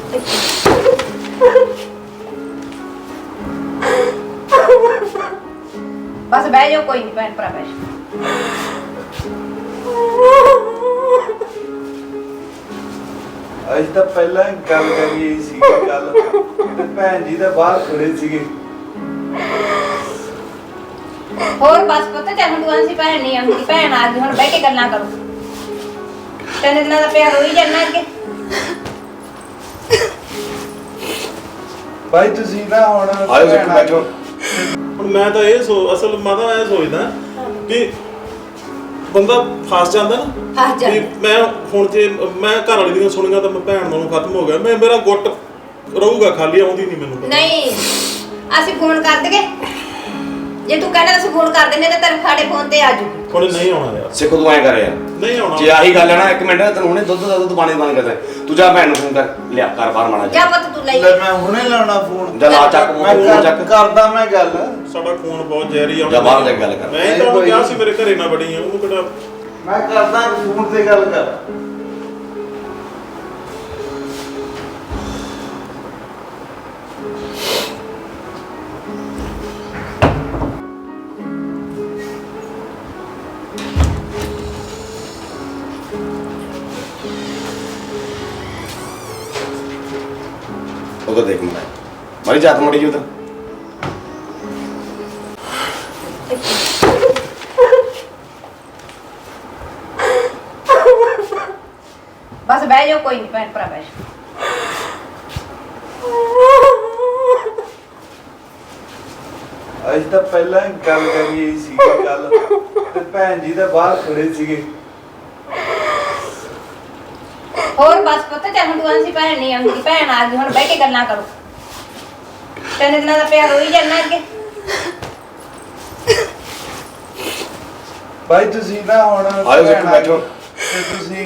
बस बह जाओ, कोई नहीं भैन भरा बह जाओ। ਅੱਜ ਤਾਂ ਪਹਿਲਾਂ ਗੱਲ ਕਰੀ ਸੀ ਗੱਲ ਤੇ ਭੈਣ ਜੀ ਤਾਂ ਬਾਹਰ ਖੜੇ ਸੀਗੇ। ਹੋਰ ਬਸ ਪਤਾ ਚੱਲ ਹੁਣ ਤੂੰ ਸੀ ਭੈਣ ਨਹੀਂ ਆਉਂਦੀ, ਭੈਣ ਆ ਗਈ, ਹੁਣ ਬਹਿ ਕੇ ਗੱਲਾਂ ਕਰੋ। ਤਿੰਨ ਦਿਨਾਂ ਦਾ ਪਿਆਰ ਹੋਈ ਜਾਣਾ ਅੱਗੇ। ਭਾਈ ਤੁਸੀਂ ਨਾ ਹੁਣ ਆਇਓ ਜੀ ਬੈਠੋ। ਹੁਣ ਮੈਂ ਤਾਂ ਇਹ ਅਸਲ ਮਾਤਾ ਇਹ ਸੋਚਦਾ ਕਿ ਬੰਦਾ ਫਸ ਜਾਂਦਾ ਨਾ ਫਸ ਜਾਂਦਾ। ਵੀ ਮੈਂ ਹੁਣ ਜੇ ਮੈਂ ਘਰ ਵਾਲੀ ਦੀਆਂ ਸੁਣੀਆਂ ਤਾਂ ਮੈਂ ਭੈਣ ਨਾਲੋਂ ਖਤਮ ਹੋ ਗਿਆ, ਮੇਰਾ ਗੁੱਟ ਰਹੂਗਾ ਖਾਲੀ, ਆਉਂਦੀ ਨਹੀਂ ਮੈਨੂੰ। ਨਹੀਂ ਅਸੀਂ ਫੋਨ ਕਰ ਦਗੇ, ਜੇ ਤੂੰ ਕਹਿੰਦਾ ਅਸੀਂ ਫੋਨ ਕਰ ਦਿੰਦੇ ਤਾਂ ਤੇਰੇ ਸਾਡੇ ਫੋਨ ਤੇ ਆ ਜੂਗੀ। ਹੁਣ ਨਹੀਂ ਆਉਣਾ ਯਾਰ, ਸਿੱਖੋ ਤੂੰ ਐ ਕਰ ਯਾਰ, ਨਹੀਂ ਆਉਣਾ। ਜੇ ਆਹੀ ਗੱਲ ਹੈ ਨਾ, ਇੱਕ ਮਿੰਟ ਤੈਨੂੰ ਹੁਣੇ ਦੁੱਧ ਪਾਣੀ ਬੰਦ ਕਰਦਾ, ਤੂੰ ਜਾ ਭੈਣ ਨੂੰ ਫੋਨ ਕਰ ਲਿਆ ਕਰ ਬਾਹਰ ਮਾੜਾ ਜਾ ਪੁੱਤ ਤੂੰ ਲਈ। ਲੈ ਮੈਂ ਹੁਣੇ ਲਾਉਣਾ ਫੋਨ। ਜਾ ਲਾ ਚੱਕ ਮੈਂ ਫੋਨ ਚੱਕ। ਕਰਦਾ ਮੈਂ ਗੱਲ। ਸਾਡਾ ਖੂਨ ਬਹੁਤ ਜ਼ਹਿਰੀ ਆ। ਜਾ ਬਾਹਰ ਜਾ ਕੇ ਗੱਲ ਕਰ। ਮੈਂ ਹੀ ਤਾਂ ਉਹਨੂੰ ਕਿਹਾ ਸੀ ਮੇਰੇ ਘਰੇ ਨਾ ਬੜੀ ਆ, ਉਹਨੂੰ ਕਿਹੜਾ ਮੈਂ ਕਰਦਾ ਫੋਨ ਤੇ ਗੱਲ ਕਰ। उधर देख मैं मारी जात मड़ी उधर। बस बह जाओ, कोई नहीं भैन भरा बह जाओ। ਅੱਜ ਤਾਂ ਪਹਿਲਾਂ ਗੱਲ ਕਰੀ ਸੀ ਗੱਲ ਤੇ ਭੈਣ ਜੀ ਤਾਂ ਬਾਹਰ ਖੜੇ ਸੀਗੇ। ਹੋਰ ਬਸ ਪਤਾ ਚੱਲ ਹੁਣ ਤੂੰ ਸੀ ਭੈਣ ਨਹੀਂ ਆਉਂਦੀ, ਭੈਣ ਆ ਗਈ, ਹੁਣ ਬਹਿ ਕੇ ਗੱਲਾਂ ਕਰੋ। ਤਿੰਨ ਦਿਨਾਂ ਦਾ ਪਿਆਰ ਹੋਈ ਜਾਣਾ ਅੱਗੇ। ਭਾਈ ਤੁਸੀਂ ਨਾ ਹੁਣ ਆਇਓ ਜੀ ਬੈਠੋ। ਤੇ ਤੁਸੀਂ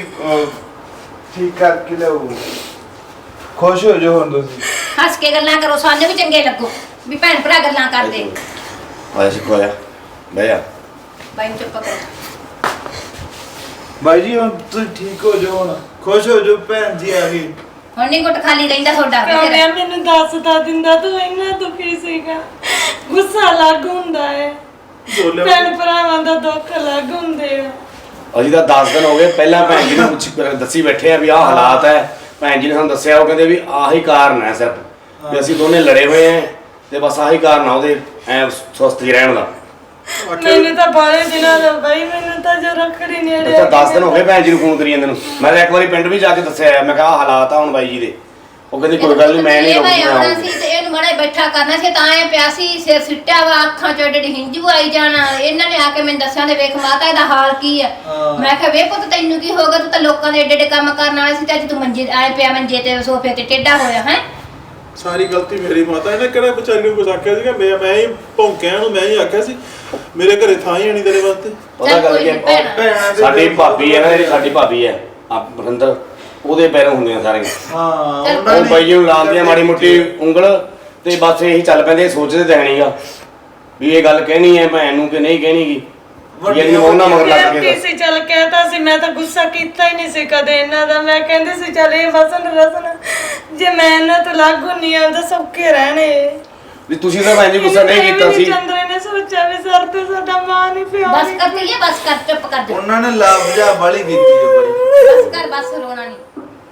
ਠੀਕ ਕਰਕੇ ਲਿਆਓ। ਖੁਸ਼ ਹੋ ਜਾਓ ਹੁਣ ਤੁਸੀਂ। ਹੱਸ ਕੇ ਗੱਲਾਂ ਕਰੋ, ਸਾਨੂੰ ਵੀ ਚੰਗੇ ਲੱਗੋ ਵੀ ਭੈਣ ਭਰਾ ਗੱਲਾਂ ਕਰਦੇ। ਆਇਆ ਸਿੱਖੋ ਆਇਆ ਬਹਿ ਜਾ। ਬਾਈ ਨੂੰ ਚੁੱਪ ਕਰੋ। ਭਾਈ ਜੀ ਹੁਣ ਤੁਸੀਂ ਠੀਕ ਹੋ ਜਾਓ, ਹੁਣ ਖੁਸ਼ ਹੋ ਜਾਓ, ਭੈਣ ਜੀ ਆ ਗਈ। ਹੁਣ ਨਹੀਂ ਗੁੱਟ ਖਾਲੀ ਰਹਿੰਦਾ ਤੁਹਾਡਾ। ਮੈਂ ਮੈਨੂੰ ਦੱਸਦਾ ਦਿੰਦਾ ਤੂੰ ਇੰਨਾ ਦੁਖੀ ਸੀਗਾ, ਗੁੱਸਾ ਲੱਗ ਹੁੰਦਾ ਹੈ, ਭੈਣ ਭਰਾਵਾਂ ਦਾ ਦੁੱਖ ਲੱਗ ਹੁੰਦੇ ਆ। ਅਸੀਂ ਤਾਂ 10 ਦਿਨ ਹੋ ਗਏ, ਪਹਿਲਾਂ ਭੈਣ ਜੀ ਨੂੰ ਦੱਸੀ ਬੈਠੇ ਆ ਵੀ ਆਹ ਹਾਲਾਤ ਹੈ। ਭੈਣ ਜੀ ਨੇ ਸਾਨੂੰ ਦੱਸਿਆ, ਉਹ ਕਹਿੰਦੇ ਵੀ ਆਹੀ ਕਾਰਨ ਹੈ ਸਿਰਫ ਵੀ ਅਸੀਂ ਦੋਨੇ ਲੜੇ ਹੋਏ ਆ ਤੇ ਬਸ ਆਹੀ ਕਾਰਨ ਆ ਉਹਦੇ ਐ ਸੁਸਤ ਹੀ ਰਹਿਣ ਦਾ। ਮੈਨੂੰ ਤਾਂ ਬਾਰੇ ਦਿਨਾਂ ਦਾ ਬਾਈ, ਮੈਨੂੰ ਤਾਂ ਜੋ ਰੱਖੜੀ ਨੇੜੇ ਅੱਛਾ 10 ਦਿਨ ਹੋ ਗਏ ਭੈਣ ਜੀ ਨੂੰ ਫੋਨ ਕਰੀ ਜਾਂਦੇ ਨੂੰ। ਮੈਂ ਤਾਂ ਇੱਕ ਵਾਰੀ ਪਿੰਡ ਵੀ ਜਾ ਕੇ ਦੱਸਿਆ, ਮੈਂ ਕਿਹਾ ਆਹ ਹਾਲਾਤ ਆ ਹੁਣ ਬਾਈ ਜੀ ਦੇ। ਉਹ ਕਹਿੰਦੀ ਕੋਈ ਗੱਲ ਨਹੀਂ, ਮੈਂ ਨਹੀਂ ਆਉਣਾ ਸੀ ਤੇ ਇਹਨੂੰ ਮੜਾ ਬੈਠਾ ਕਰਨਾ ਸੀ, ਤਾਂ ਐ ਪਿਆ ਸੀ ਸਿਰ ਸਿੱਟਿਆ ਵਾ, ਅੱਖਾਂ ਚੋਂ ਏਡੇ ਹਿੰਜੂ ਆਈ ਜਾਣਾ। ਇਹਨਾਂ ਨੇ ਆ ਕੇ ਮੈਨੂੰ ਦੱਸਿਆ ਤੇ ਵੇਖ ਮਾਤਾ ਇਹਦਾ ਹਾਲ ਕੀ ਆ। ਮੈਂ ਕਿਹਾ ਵੇ ਪੁੱਤ ਤੈਨੂੰ ਕੀ ਹੋਗਾ, ਤੂੰ ਤਾਂ ਲੋਕਾਂ ਦੇ ਏਡੇ ਏਡੇ ਕੰਮ ਕਰਨ ਵਾਲਾ ਸੀ ਤੇ ਅੱਜ ਤੂੰ ਮੰਜੇ ਆਏ ਪਿਆ, ਮੰਜੇ ਤੇ ਸੋਫੇ ਤੇ ਟੇਢਾ ਹੋਇਆ ਹੈ। ਸਾਰੀ ਗਲਤੀ ਮੇਰੀ ਮਾਤਾ। ਇਹਨੇ ਕਿਹੜਾ ਵਿਚਾਰੀ ਨੂੰ ਕੁਝ ਆਖਿਆ ਸੀਗਾ? ਮੈਂ ਹੀ ਭੌਂਕਿਆ ਉਹਨੂੰ, ਮੈਂ ਹੀ ਆਖਿਆ ਸੀ ਮੇਰੇ ਘਰੇ ਥਾਂ ਹੀ ਨਹੀਂ ਤੇਰੇ ਵਾਸਤੇ। ਉਹਦਾ ਗੱਲ ਕੀ ਹੈ, ਸਾਡੀ ਭਾਬੀ ਹੈ ਨਾ, ਜਿਹੜੀ ਸਾਡੀ ਭਾਬੀ ਹੈ ਬਰਿੰਦਰ, ਉਹਦੇ ਪੈਰੋਂ ਹੁੰਦੀਆਂ ਸਾਰੀਆਂ। ਹਾਂ ਉਹ ਬਾਈ ਜੀ ਨੂੰ ਲਾਉਂਦੀਆਂ ਮਾੜੀ ਮੋਟੀ ਉਂਗਲ ਤੇ ਬਸ ਇਹੀ ਚੱਲ ਪੈਂਦੇ, ਸੋਚਦੇ ਤਾਂ ਨਹੀਂਗਾ ਵੀ ਇਹ ਗੱਲ ਕਹਿਣੀ ਹੈ ਭੈਣ ਨੂੰ ਕਿ ਨਹੀਂ ਕਹਿਣੀਗੀ। ਜਿਹੜੀ ਉਹਨਾਂ ਮਗਰ ਲੱਗ ਕੇ ਕਿਸੇ ਚੱਲ ਕਹਿਤਾ ਸੀ, ਮੈਂ ਤਾਂ ਗੁੱਸਾ ਕੀਤਾ ਹੀ ਨਹੀਂ ਸੀ ਕਦੇ ਇਹਨਾਂ ਦਾ। ਮੈਂ ਕਹਿੰਦੀ ਸੀ ਚੱਲ ਇਹ ਵਸਣ ਰਸਣ, ਜੇ ਮੈਂ ਇਹਨਾਂ ਤੋਂ ਲੱਗ ਹੁੰਨੀ ਆ ਤਾਂ ਸੌਖੇ ਰਹਿਣੇ ਵੀ ਤੁਸੀਂ ਤਾਂ ਭੈਣ ਜੀ ਗੁੱਸਾ ਨਹੀਂ ਕੀਤਾ ਸੀ। ਚੰਦਰੇ ਨੇ ਸੋਚਿਆ ਵੀ ਸਰ ਤੇ ਸਾਡਾ ਮਾਂ ਨਹੀਂ ਪਿਓ ਬਸ ਕਰ ਤੀਏ, ਬਸ ਕਰ, ਚੁੱਪ ਕਰ ਜਾ। ਉਹਨਾਂ ਨੇ ਲਾਭਜਾ ਵਾਲੀ ਕੀਤੀ ਹੈ ਬੜੀ। ਬਸ ਕਰ, ਬਸ ਰੋਣਾ ਨਹੀਂ।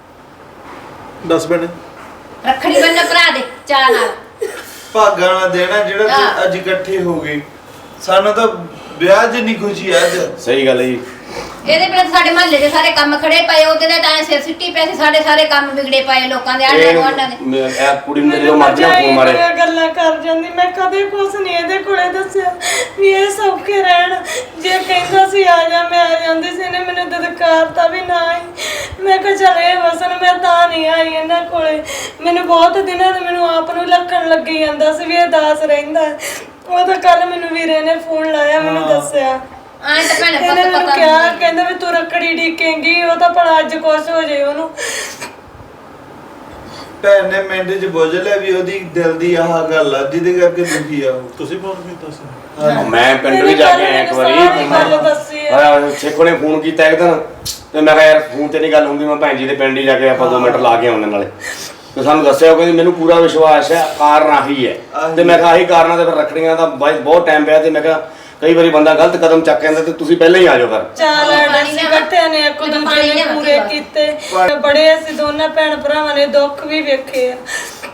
ਦੱਸ ਭੈਣੇ, ਰੱਖੜੀ ਬੰਨ ਭਰਾ ਦੇ ਚਾਹ ਨਾਲ। ਭਾਗਾਂ ਨਾਲ ਦੇਣਾ ਜਿਹੜਾ ਤੁਸੀਂ ਅੱਜ ਇਕੱਠੇ ਹੋ ਗਏ। ਸਾਨੂੰ ਤਾਂ ਵਿਆਹ ਜਿੰਨੀ ਖੁਸ਼ੀ ਅੱਜ। ਸਹੀ ਗੱਲ ਹੈ ਜੀ। ਇਹਦੇ ਬਿਨਾਂ ਸਾਡੇ ਮਹੱਲੇ ਦੇ ਸਾਰੇ ਕੰਮ ਖੜੇ ਪਏ, ਉਹਦੇ ਦੇ ਤਾਂ ਸਿਰ ਸਿੱਟੀ ਪਏ ਸੀ, ਸਾਡੇ ਸਾਰੇ ਕੰਮ ਵਿਗੜੇ ਪਏ ਲੋਕਾਂ ਦੇ, ਆਂਢ ਗੁਆਂਢਾਂ ਦੇ। ਇਹ ਕੁੜੀ ਨੂੰ ਜਦੋਂ ਮਰਜ਼ੀ ਫੋਨ ਮਾਰੇ ਗੱਲਾਂ ਕਰ ਜਾਂਦੀ। ਮੈਂ ਕਦੇ ਕੁਛ ਨਹੀਂ ਇਹਦੇ ਕੋਲੇ ਦੱਸਿਆ ਵੀ ਇਹ ਸੌਖੇ ਰਹਿਣ। ਜੇ ਕਹਿੰਦਾ ਸੀ ਆ ਜਾ, ਮੈਂ ਆ ਜਾਂਦੀ ਸੀ। ਇਹਨੇ ਮੈਨੂੰ ਦਦਕਾਰਤਾ ਵੀ ਨਾ ਆਈ। ਮੈਂ ਕਿਹਾ ਚੱਲ ਇਹ ਵਸਣ, ਮੈਂ ਤਾਂ ਨਹੀਂ ਆਈ ਇਹਨਾਂ ਕੋਲੇ। ਮੈਨੂੰ ਬਹੁਤ ਦਿਨਾਂ ਤੋਂ ਮੈਨੂੰ ਆਪ ਨੂੰ ਲੱਖਣ ਲੱਗੀ ਜਾਂਦਾ ਸੀ ਵੀ ਇਹ ਦਾਸ ਰਹਿੰਦਾ। ਉਹ ਤਾਂ ਕੱਲ ਮੈਨੂੰ ਵੀਰੇ ਨੇ ਫੋਨ ਲਾਇਆ, ਮੈਨੂੰ ਦੱਸਿਆ। ਆਏ ਤਾਂ ਭੈਣੇ ਇਹਨੇ ਮੈਨੂੰ ਪਤਾ ਕਿਹਾ, ਕਹਿੰਦਾ ਵੀ ਤੂੰ ਰੱਖੜੀ ਢੀਕੇਂਗੀ, ਉਹ ਤਾਂ ਭਲਾ ਅੱਜ ਕੁਛ ਹੋ ਜੇ ਉਹਨੂੰ। ਭੈਣ ਨੇ ਮਿੰਟ 'ਚ ਬੁੱਝ ਲਿਆ ਵੀ ਉਹਦੀ ਦਿਲ ਦੀ ਆਹ ਗੱਲ ਆ ਜਿਹਦੇ ਕਰਕੇ ਦੁਖੀ ਆ ਉਹ। ਤੁਸੀਂ ਫੋਨ ਕੀਤਾ ਸੀ? ਮੈਂ ਪਿੰਡ ਵੀ ਜਾ ਕੇ ਆਇਆ ਇੱਕ ਵਾਰੀ। ਛੇਕੋ ਨੇ ਫੋਨ ਕੀਤਾ ਇੱਕ ਦਿਨ ਤੇ ਮੈਂ ਕਿਹਾ ਯਾਰ ਫੋਨ ਤੇ ਨਹੀਂ ਗੱਲ ਹੁੰਦੀ, ਮੈਂ ਭੈਣ ਜੀ ਦੇ ਪਿੰਡ ਹੀ ਜਾ ਕੇ ਆਪਾਂ 2 ਮਿੰਟ ਲਾ ਕੇ ਆਉਂਦੇ ਨਾਲੇ। ਤੇ ਸਾਨੂੰ ਦੱਸਿਆ ਉਹ ਕਹਿੰਦੀ ਮੈਨੂੰ ਪੂਰਾ ਵਿਸ਼ਵਾਸ ਹੈ ਕਾਰਨ ਆਹੀ ਹੈ। ਤੇ ਮੈਂ ਕਿਹਾ ਆਹੀ ਕਾਰਨਾਂ ਤੇ ਫਿਰ ਰੱਖੜੀਆਂ ਦਾ ਬਹੁਤ ਟਾਈਮ ਪਿਆ ਤੇ ਮੈਂ ਕਿਹਾ ਕਈ ਵਾਰੀ ਬੰਦਾ ਗਲਤ ਕਦਮ ਚੱਕ ਜਾਂਦਾ ਤੇ ਤੁਸੀਂ ਪਹਿਲਾਂ ਹੀ ਆ ਜਾਓ ਘਰ। ਚਾਲ ਅਸੀਂ ਇਕੱਠਿਆਂ ਨੇ ਇੱਕ ਦੂਜੇ ਨੇ ਪੂਰੇ ਕੀਤੇ, ਬੜੇ ਅਸੀਂ ਦੋਨਾਂ ਭੈਣ ਭਰਾਵਾਂ ਨੇ ਦੁੱਖ ਵੀ ਵੇਖੇ ਆ।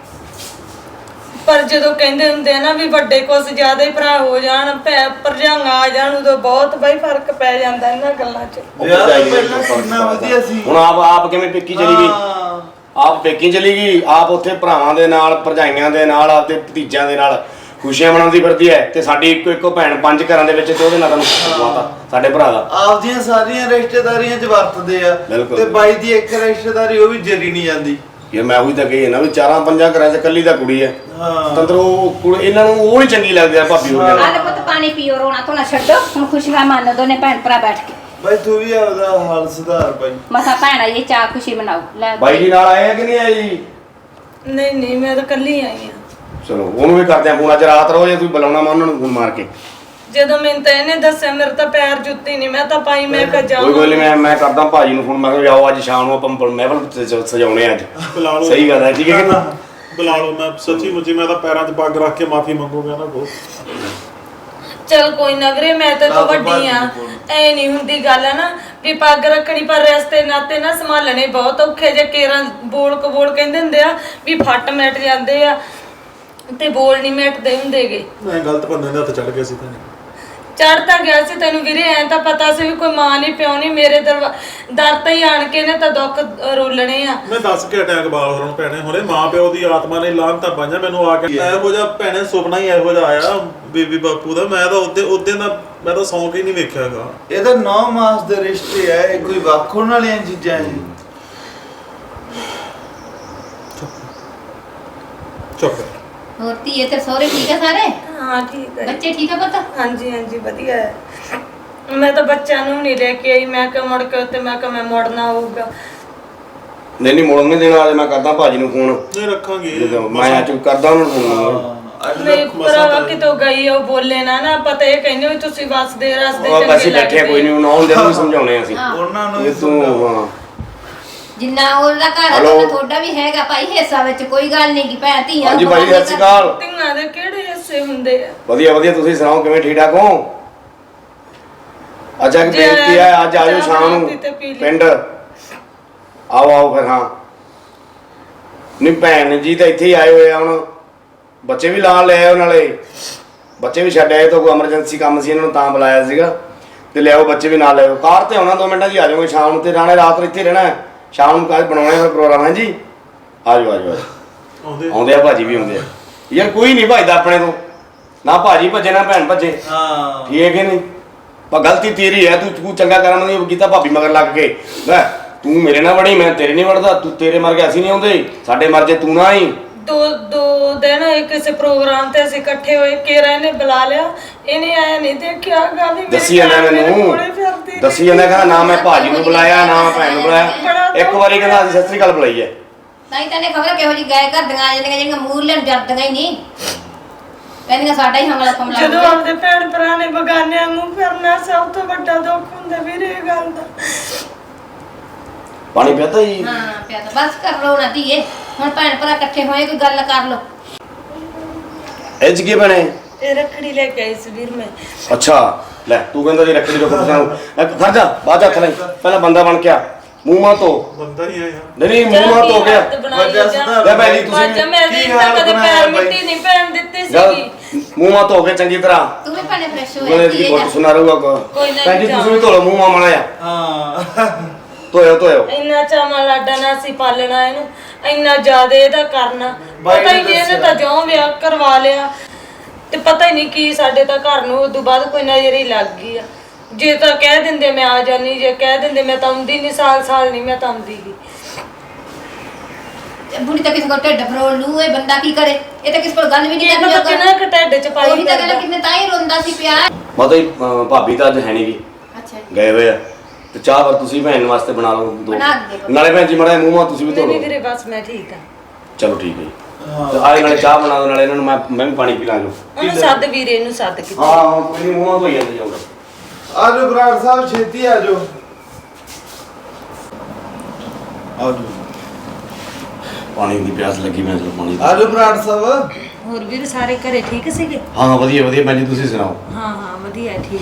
ਪਰ ਜਦੋਂ ਕਹਿੰਦੇ ਹੁੰਦੇ ਆ ਨਾ ਵੀ ਵੱਡੇ ਕੁਛ ਜ਼ਿਆਦਾ ਹੀ ਭਰਾ ਹੋ ਜਾਣ, ਭਰਜਾਈਆਂ ਆ ਜਾਣ, ਉਦੋਂ ਬਹੁਤ ਬਈ ਫਰਕ ਪੈ ਜਾਂਦਾ ਇਹਨਾਂ ਗੱਲਾਂ 'ਚ। ਵਿਆਹ ਤੋਂ ਪਹਿਲਾਂ ਕਿੰਨਾ ਵਧੀਆ ਸੀ। ਹੁਣ ਆਪ ਕਿਵੇਂ ਪੇਕੀ ਚਲੀ ਗਈ, ਆਪ ਪੇਕੀ ਚਲੀ ਗਈ, ਆਪ ਉੱਥੇ ਭਰਾਵਾਂ ਦੇ ਨਾਲ ਭਰਜਾਈਆਂ ਦੇ ਨਾਲ ਆਪਦੇ ਭਤੀਜਿਆਂ ਦੇ ਨਾਲ ਖੁਸ਼ੀਆਂ ਮਨਾਉਂਦੀ ਫਿਰਦੀ ਹੈ ਤੇ ਸਾਡੀ ਇੱਕੋ ਭੈਣ 5 ਘਰਾਂ ਦੇ ਵਿੱਚ ਤੇ ਉਹਦੇ ਨਾਲ ਤੁਹਾਨੂੰ ਸਾਡੇ ਭਰਾ ਦਾ ਆਪਦੀਆਂ ਸਾਰੀਆਂ ਰਿਸ਼ਤੇਦਾਰੀਆਂ 'ਚ ਵਰਤਦੇ ਆ ਤੇ ਬਾਈ ਦੀ ਇੱਕ ਰਿਸ਼ਤੇਦਾਰੀ ਉਹ ਵੀ ਜਰੀ ਨਹੀਂ ਜਾਂਦੀ। ਯਾਰ ਮੈਂ ਉਹੀ ਤਾਂ ਕਹੀ ਨਾ ਵੀ 4-5 ਘਰਾਂ 'ਚ ਇਕੱਲੀ ਤਾਂ ਕੁੜੀ ਹੈ। ਹਾਂ ਤੰਦਰ ਉਹ ਇਹਨਾਂ ਨੂੰ ਉਹ ਨਹੀਂ ਚੰਗੀ ਲੱਗਦੀ ਆ ਭਾਬੀ ਹੋ ਜਾਣਾ। ਆਹ ਪੁੱਤ ਪਾਣੀ ਪੀਓ, ਰੋਣਾ ਧੋਣਾ ਛੱਡੋ, ਹੁਣ ਖੁਸ਼ੀਆਂ ਮੰਨ ਦੋਨੇ ਭੈਣ ਭਰਾ ਬੈਠ ਕੇ। ਬਾਈ ਤੂੰ ਵੀ ਆਪਦਾ ਹਾਲ ਸੁਧਾਰ ਬਾਈ। ਮਸਾ ਭੈਣ ਆਈ ਚਾਹ ਖੁਸ਼ੀ ਮਨਾਓ। ਲੈ ਬਾਈ ਜੀ ਨਾਲ ਆਏ ਆ ਕਿ ਨਹੀਂ ਆਏ ਜੀ? ਨਹੀਂ ਮੈਂ ਤਾਂ ਇਕੱਲੀ ਆਈ ਆ। ਚਲੋ ਉਹਨੂੰ ਵੀ ਕਰਦੇ ਆ ਫੋਨ, ਅੱਜ ਰਾਤ ਰਹੋ ਜੇ ਤੁਸੀਂ ਬੁਲਾਉਣਾ ਮੈਂ ਉਹਨਾਂ ਨੂੰ ਫੋਨ ਮਾਰ ਕੇ। ਜਦੋਂ ਮੈਨੂੰ ਤਾਂ ਇਹਨੇ ਦੱਸਿਆ ਮੇਰੇ ਤਾਂ ਪੈਰ ਜੁੱਤੀ ਨਹੀਂ, ਮੈਂ ਤਾਂ ਪਾਈ, ਮੈਂ ਕਿਹਾ ਜਾਵਾਂ। ਕੋਈ ਨਹੀਂ ਮੈਂ ਕਰਦਾ ਭਾਜੀ ਨੂੰ ਫੋਨ, ਮੈਂ ਕਿਹਾ ਜਾਓ ਅੱਜ ਸ਼ਾਮ ਨੂੰ ਆਪਾਂ ਮਹਿਫਲ ਸਜਾਉਣੇ ਅੱਜ। ਬੁਲਾ ਲਓ, ਸਹੀ ਗੱਲ ਹੈ, ਠੀਕ ਹੈ ਕਿ ਨਾ? ਬੁਲਾ ਲਓ। ਮੈਂ ਸੱਚੀ ਮੁੱਚੀ ਮੈਂ ਤਾਂ ਪੈਰਾਂ 'ਚ ਪੱਗ ਰੱਖ ਕੇ ਮਾਫੀ ਮੰਗੂਗਾ ਨਾ ਬਹੁਤ। ਚਲ ਕੋਈ ਨਾ ਵੀਰੇ, ਮੈਂ ਤਾਂ ਤੋਂ ਵੱਡੀ ਆ, ਐ ਨਹੀਂ ਹੁੰਦੀ ਗੱਲ ਹੈ ਨਾ ਵੀ ਪੱਗ ਰੱਖਣੀ, ਪਰ ਰਸਤੇ ਨਾਤੇ ਨਾ ਸੰਭਾਲਣੇ ਬਹੁਤ ਔਖੇ ਜੇ। ਕੇਰਾਂ ਬੋਲ ਕਬੋਲ ਕਹਿੰਦੇ ਹੁੰਦੇ ਆ ਵੀ ਫੱਟ ਮਿਟ ਜਾਂਦੇ ਆ ਤੇ ਬੋਲ ਨਹੀਂ ਮਿਟਦੇ ਹੁੰਦੇਗੇ। ਮੈਂ ਗਲਤ ਬੰਦੇ ਦੇ ਹੱਥ ਚੜ ਗਿਆ ਸੀ ਤਾਂ ਚੜ ਤਾਂ ਗਿਆ ਸੀ ਤੈਨੂੰ ਵੀਰੇ, ਐ ਤਾਂ ਪਤਾ ਸੀ ਵੀ ਕੋਈ ਮਾਂ ਨਹੀਂ ਪਿਓ ਨਹੀਂ, ਮੇਰੇ ਦਰ ਤੇ ਹੀ ਆਣ ਕੇ ਨੇ ਤਾਂ ਦੁੱਖ ਰੋਲਣੇ ਆ। ਮੈਂ ਦੱਸ ਕੇ ਅਟੈਕ ਬਾਲ ਹੋਣ ਪੈਣੇ ਹੁਣੇ, ਮਾਂ ਪਿਓ ਦੀ ਆਤਮਾ ਨੇ ਲਾਹਨਤਾਂ ਪਾਈਆਂ ਮੈਨੂੰ ਆ ਕੇ। ਇਹੋ ਜਿਹਾ ਭੈਣੇ ਸੁਪਨਾ ਹੀ ਇਹੋ ਜਿਹਾ ਆਇਆ ਬੀਬੀ ਬਾਪੂ ਦਾ, ਮੈਂ ਤਾਂ ਉਹਦੇ ਦਾ ਮੈਂ ਤਾਂ ਸੌਂਕ ਹੀ ਨਹੀਂ ਵੇਖਿਆਗਾ। ਇਹ ਤਾਂ 9 ਮਾਸ ਦੇ ਰਿਸ਼ਤੇ ਆ, ਇਹ ਕੋਈ ਵੱਖ ਹੋਣ ਵਾਲੀਆਂ ਚੀਜ਼ਾਂ ਹੈ। ਚੁੱਪ। ਹੋਰ ਧੀਏ ਤੇ ਸਹੁਰੇ ਠੀਕ ਆ ਸਾਰੇ? ਹਾਂ ਠੀਕ ਹੈ। ਬੱਚੇ ਠੀਕ ਆ ਪੁੱਤ? ਹਾਂਜੀ ਵਧੀਆ ਹੈ। ਮੈਂ ਤਾਂ ਬੱਚਿਆਂ ਨੂੰ ਨਹੀਂ ਲੈ ਕੇ ਆਈ, ਮੈਂ ਕਿਹਾ ਮੁੜ ਕੇ ਉੱਤੇ ਮੈਂ ਕਿਹਾ ਮੈਂ ਮੁੜਨਾ ਹੋਊਗਾ। ਨਹੀਂ ਮੁੜਨ ਨਹੀਂ ਦੇਣਾ, ਅੱਜ ਮੈਂ ਕਰਦਾ ਭਾਜੀ ਨੂੰ ਫੋਨ। ਨਹੀਂ ਰੱਖਾਂਗੇ, ਮੈਂ ਅੱਜ ਕਰਦਾ ਉਹਨਾਂ ਨੂੰ ਫੋਨ। ਨਹੀਂ ਭਰਾਵਾ ਕਿਤੋਂ ਗਈ ਉਹ ਬੋਲੇ ਨਾ ਪਤਾ ਇਹ ਕਹਿੰਦੇ ਵੀ ਤੁਸੀਂ ਵਸਦੇ ਰਸਤੇ ਉਹ ਅਸੀਂ ਬੈਠੇ ਕੋਈ ਨਹੀਂ, ਉਹਨਾਂ ਦੇ ਨੂੰ ਸਮਝਾਉਣੇ ਅਸੀਂ ਉਹਨਾਂ ਨੂੰ ਤੂੰ। ਹਾਂ ਜਿੰਨਾ ਉਹਦਾ ਘਰ ਆ ਤੁਹਾਡਾ ਵੀ ਹੈਗਾ ਭਾਈ ਹਿੱਸਾ ਵਿੱਚ, ਕੋਈ ਗੱਲ ਨਹੀਂ ਕਿ ਭੈਣ ਧੀਆਂ। ਹਾਂਜੀ ਭਾਈ ਸਤਿ ਸ਼੍ਰੀ ਅਕਾਲ। ਧੀਆਂ ਦੇ ਕਿਹੜੇ ਹਿੱਸੇ ਹੁੰਦੇ ਆ? ਵਧੀਆ ਤੁਸੀਂ ਸੁਣਾਓ ਕਿਵੇਂ, ਠੀਕ ਠਾਕ ਹੋ? ਅੱਜ ਇੱਕ ਬੇਨਤੀ ਹੈ, ਅੱਜ ਆਜੋ ਸ਼ਾਮ ਨੂੰ ਪਿੰਡ ਆਓ ਫਿਰ। ਹਾਂ ਨਹੀਂ ਭੈਣ ਜੀ ਤਾਂ ਇੱਥੇ ਹੀ ਆਏ ਹੋਏ ਆ, ਹੁਣ ਬੱਚੇ ਵੀ ਨਾਲ ਲੈ ਆਏ, ਨਾਲੇ ਬੱਚੇ ਵੀ ਛੱਡ ਆਏ ਤੋਂ ਕੋਈ ਐਮਰਜੈਂਸੀ ਕੰਮ ਸੀ ਇਹਨਾਂ ਨੂੰ ਤਾਂ ਬੁਲਾਇਆ ਸੀਗਾ ਤੇ ਲਿਆਓ ਬੱਚੇ ਵੀ ਨਾਲ ਲਿਆਓ। ਕਾਰ ਤੇ ਆਉਣਾ 2 ਮਿੰਟਾਂ 'ਚ ਆ ਜਾਓਗੇ ਸ਼ਾਮ ਨੂੰ, ਤੇ ਰਾਣੇ ਰਾਤ ਇੱਥੇ ਰਹਿਣਾ, ਸ਼ਾਮ ਨੂੰ ਕੱਲ ਬਣਾਉਣਾ ਫਿਰ ਪ੍ਰੋਗਰਾਮ ਹੈ ਜੀ। ਆਜੋ ਆਉਂਦੇ ਆ ਭਾਜੀ ਵੀ ਆਉਂਦੇ ਆ ਯਾਰ, ਕੋਈ ਨਹੀਂ ਭੱਜਦਾ ਆਪਣੇ ਤੋਂ, ਨਾ ਭਾਜੀ ਭੱਜੇ ਨਾ ਭੈਣ ਭੱਜੇ। ਹਾਂ ਠੀਕ ਹੈ ਨਹੀਂ, ਪਰ ਗਲਤੀ ਤੇਰੀ ਹੈ, ਤੂੰ ਚੰਗਾ ਕਰਮ ਨਹੀਂ ਕੀਤਾ ਭਾਬੀ ਮਗਰ ਲੱਗ ਕੇ। ਲੈ ਤੂੰ ਮੇਰੇ ਨਾਲ ਵੜੀ, ਮੈਂ ਤੇਰੇ ਨਹੀਂ ਵੜਦਾ, ਤੂੰ ਤੇਰੇ ਮਰ ਗਿਆ ਅਸੀਂ ਨਹੀਂ ਆਉਂਦੇ, ਸਾਡੇ ਮਰ ਜੇ ਤੂੰ ਨਾ ਹੀ। ਦੋ ਦਿਨ ਕਿਸੇ ਪ੍ਰੋਗਰਾਮ ਤੇ ਅਸੀਂ ਇਕੱਠੇ ਹੋਏ, ਕੇਰਾ ਇਹਨੇ ਬੁਲਾ ਲਿਆ, ਇਹਨੇ ਆਇਆ ਨਹੀਂ ਦੇਖਿਆ ਗਾ ਵੀ ਦੱਸੀ ਜਾਂਦਾ ਮੈਨੂੰ, ਦੱਸੀ ਜਾਂਦਾ ਕਹਿੰਦਾ ਨਾ ਮੈਂ ਭਾਜੀ ਨੂੰ ਬੁਲਾਇਆ ਨਾ ਮੈਂ ਭੈਣ ਨੂੰ ਬੁਲਾਇਆ। ਇੱਕ ਵਾਰੀ ਕਹਿੰਦਾ ਅਸੀਂ ਸਤਿ ਸ੍ਰੀ ਅਕਾਲ ਬੁਲਾਈ ਹੈ। ਤਾਂ ਹੀ ਤੈਨੂੰ ਖਬਰ ਕਿਹੋ ਜਿਹੀ ਗਏ ਘਰ ਦੀਆਂ ਆ ਜਾਂਦੀਆਂ ਜਿਹੜੀਆਂ ਮੂਰਲੇ ਨੂੰ ਜਰਦੀਆਂ ਹੀ ਨਹੀਂ, ਕਹਿੰਦੀਆਂ ਸਾਡਾ ਹੀ ਹਮਲਾ ਫਮਲਾ। ਜਦੋਂ ਆਪਦੇ ਭੈਣ ਭਰਾ ਨੇ ਬਗਾਨਿਆਂ ਨੂੰ ਫਿਰਨਾ ਸਭ ਤੋਂ ਵੱਡਾ ਦੁੱਖ ਹੁੰਦਾ ਵੀਰੇ ਇਹ ਗੱਲ ਦਾ। ਪਾਣੀ ਪਿਆਤਾ ਜੀ? ਹਾਂ ਪਿਆ ਤਾਂ ਬਸ ਕਰ ਲੋ ਨਾ ਧੀਏ, ਹੁਣ ਭੈਣ ਭਰਾ ਇਕੱਠੇ ਹੋਏ ਕੋਈ ਗੱਲ ਕਰ ਲੋ। ਇਹ ਚ ਕੀ ਬਣੇ? ਇਹ ਰੱਖੜੀ ਲੈ ਕੇ ਆਈ ਸੀ ਵੀਰ ਮੈਂ। ਅੱਛਾ ਲੈ ਤੂੰ ਕਹਿੰਦਾ ਜੀ ਰੱਖੜੀ ਰੋਕ ਪਸਾਂ ਖੜ ਜਾ, ਬਾਅਦ ਹੱਥ ਨਹੀਂ, ਪਹਿਲਾਂ ਬੰਦਾ ਬਣ ਕੇ ਆ, ਮੂੰਹ ਮਾ ਧੋ। ਬੰਦਾ ਹੀ ਆਇਆ ਨਹੀਂ ਮੂੰਹ ਮਾ ਧੋ ਕੇ ਲੈ ਭੈਣ ਜੀ ਤੁਸੀਂ ਕੀ ਹਾਲ ਕਦੇ ਪੈਰ ਮਿੱਟੀ ਨਹੀਂ ਪੈਣ ਦਿੱਤੀ ਸੀਗੀ। ਮੂੰਹ ਮਾ ਧੋ ਕੇ ਚੰਗੀ ਤਰ੍ਹਾਂ ਤੂੰ ਵੀ ਭੈਣੇ ਫਰੈਸ਼ ਗਲੇ ਹੋਏ ਦੀ ਗੁੱਟ ਸੁਣਾ ਰਹੂਗਾ। ਕੋਈ ਨਾ ਭੈਣ ਜੀ ਤੁਸੀਂ ਵੀ ਧੋ ਲਓ ਮੂੰਹ ਮਾ ਮਾੜਾ ਜਿਹਾ। ਹਾਂ ਧੋਇਓ ਇੰਨਾ ਚਾਵਾਂ ਲਾਡਾ ਨਾ ਸੀ ਪਾਲਣਾ ਇਹਨੂੰ, ਇੰਨਾ ਜ਼ਿਆਦਾ ਇਹਦਾ ਕਰਨਾ। ਪਤਾ ਹੀ ਨਹੀਂ ਇਹਨੇ ਤਾਂ ਜਿਉਂ ਵਿਆਹ ਕਰਵਾ ਲਿਆ ਤੇ ਪਤਾ ਹੀ ਨਹੀਂ ਕੀ ਸਾਡੇ ਤਾਂ ਘਰ ਨੂੰ ਉਦੋਂ ਬਾਅਦ ਕੋਈ ਨਜ਼ਰ ਹੀ ਲੱਗ ਗਈ ਆ। ਜੇ ਤਾਂ ਕਹਿ ਦਿੰਦੇ ਮੈਂ ਆ ਜਾਨੀ, ਜੇ ਕਹਿ ਦਿੰਦੇ ਮੈਂ ਤਾਂ ਆਉਂਦੀ ਨਹੀਂ, ਸਾਲ ਨਹੀਂ ਮੈਂ ਤਾਂ ਆਉਂਦੀ ਗੀ। ਬੁੜੀ ਤਾਂ ਕਿਸੇ ਕੋਲ ਢਿੱਡ ਫਰੋਲ ਲੂ, ਇਹ ਬੰਦਾ ਕੀ ਕਰੇ? ਇਹ ਤਾਂ ਕਿਸੇ ਕੋਲ ਗੱਲ ਵੀ ਨਹੀਂ ਇਹਨੂੰ ਤਾਂ ਕਿੰਨਾ ਕੁ ਢਿੱਡ ਚ ਪਾਈ ਉਹੀ ਤਾਂ ਗੱਲ ਕਿੰਨੇ ਤਾਂ ਹੀ ਰੋਂਦਾ ਸੀ ਪਿਆ। ਮਤਲਬ ਭਾਬੀ ਤਾਂ ਅੱਜ ਹੈ ਨਹੀਂ ਗੀ, ਅੱਛਾ ਗਏ ਹੋਏ ਆ, ਤੇ ਚਾਹ ਪਰ ਤੁਸੀਂ ਭੈਣ ਵਾਸਤੇ ਬਣਾ ਲਓ ਦੋ। ਬਣਾ ਦੇ। ਨਾਲੇ ਭੈਣ ਜੀ ਮਾੜਾ ਮੂੰਹ ਮਾ ਤੁਸੀਂ ਵੀ ਧੋ ਨਹੀਂ ਲਓ। ਵੀਰੇ ਬਸ ਮੈਂ ਠੀਕ ਆ। ਚਲੋ ਠੀਕ ਹੈ ਜੀ, ਤੇ ਆਏ ਨਾਲੇ ਚਾਹ ਬਣਾ ਦੋ, ਨਾਲੇ ਇਹਨਾਂ ਨੂੰ ਮੈਂ ਵੀ ਪਾਣੀ ਪਿਲਾ ਲਓ। ਉਹਨੂੰ ਸੱਦ ਵੀਰੇ ਨੂੰ ਸੱਦ ਕੇ। ਹਾਂ ਕੋਈ ਮੂੰਹ ਮਾ ਧੋਈ ਜਾਂਦੇ ਜਾਊਗਾ। ਆਜੋ ਬਰਾੜ ਸਾਹਿਬ ਛੇਤੀ ਆਜੋ। ਆਜੋ ਪਾਣੀ ਦੀ ਪਿਆਸ ਲੱਗੀ, ਮੈਂ ਚਲੋ ਪਾਣੀ ਆਜੋ ਬਰਾੜ ਸਾਹਿਬ। ਹੋਰ ਵੀਰ ਸਾਰੇ ਘਰੇ ਠੀਕ ਸੀਗੇ? ਹਾਂ ਵਧੀਆ ਵਧੀਆ ਭੈਣ ਜੀ, ਤੁਸੀਂ ਸੁਣਾਓ? ਹਾਂ ਹਾਂ ਵਧੀਆ ਠੀਕ।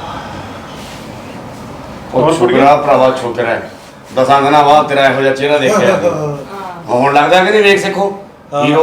ਉਹ ਛੋਕਰਾ ਭਰਾਵਾ ਛੋਕਰਾ ਹੈ, 10 ਦਿਨਾਂ ਬਾਅਦ ਤੇਰਾ ਇਹੋ ਜਿਹਾ ਚਿਹਰਾ ਦੇਖਿਆ। ਹੁਣ ਲੱਗਦਾ ਕਿ ਨਹੀਂ ਵੇਖ ਸਿੱਖੋ ਹੀਰੋ।